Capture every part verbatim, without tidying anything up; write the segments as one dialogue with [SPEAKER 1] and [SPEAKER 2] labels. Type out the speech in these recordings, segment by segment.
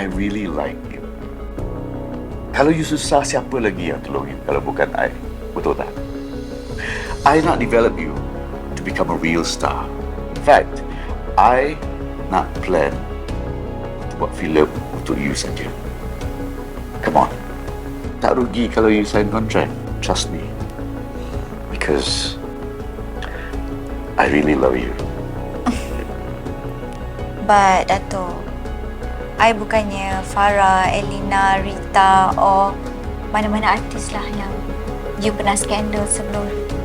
[SPEAKER 1] really like you. Kalau you susah, siapa lagi yang tolong you kalau bukan I? Betul tak? I nak develop you to become a real star. In fact, I nak plan buat filem untuk you saja. Come on. Tak rugi kalau you sign contract. Trust me. Because I really love you.
[SPEAKER 2] But, Dato', I bukannya Farah, Elina, Rita or mana-mana artis lah yang you pernah skandal sebelum.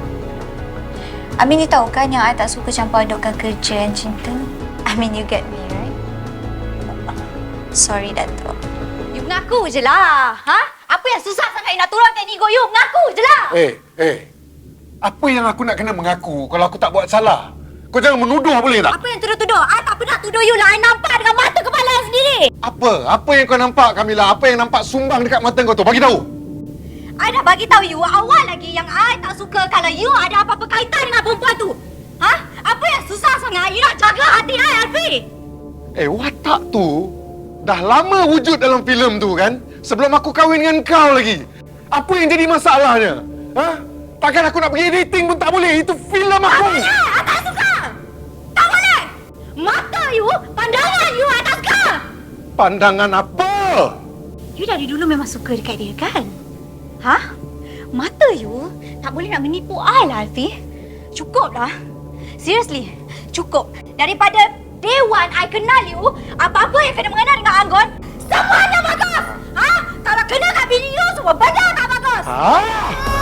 [SPEAKER 2] I mean, you tahu kan yang I tak suka campur adukkan kerja dan cinta? I mean, you get me, right? Sorry, Dato'.
[SPEAKER 3] You mengaku je lah. Ha? Apa yang susah sangat you nak turunkan ego you? Mengaku je lah.
[SPEAKER 4] Eh, eh. Apa yang aku nak kena mengaku kalau aku tak buat salah? Kau jangan menuduh boleh tak?
[SPEAKER 3] Apa yang tuduh-tuduh? I tak pernah tuduh you lah. I nampak dengan mata kepala I sendiri.
[SPEAKER 4] Apa? Apa yang kau nampak, Kamila? Apa yang nampak sumbang dekat mata kau tu? Bagi tahu.
[SPEAKER 3] I dah bagi tahu you awal lagi yang I tak suka kalau you ada apa-apa kaitan dengan perempuan tu. Ha? Apa yang susah sangat you nak jaga hati I, Alfi?
[SPEAKER 4] Eh, watak tu dah lama wujud dalam filem tu kan? Sebelum aku kahwin dengan kau lagi. Apa yang jadi masalahnya? Ha? Takkan aku nak pergi editing pun tak boleh. Itu filem aku.
[SPEAKER 3] Tak boleh! I tak suka! Tak boleh! Mata you, pandangan you, I tak suka!
[SPEAKER 4] Pandangan apa?
[SPEAKER 3] You dari dulu memang suka dekat dia kan? Ha? Mata you tak boleh nak menipu I lah, Alfi. Cukup lah. Seriously, cukup. Daripada day one I kenal you, apa-apa yang kena mengenal dengan Anggon, semuanya bagus! Ha? Kalau kena kat bini you, semua benda tak bagus!
[SPEAKER 4] Ha?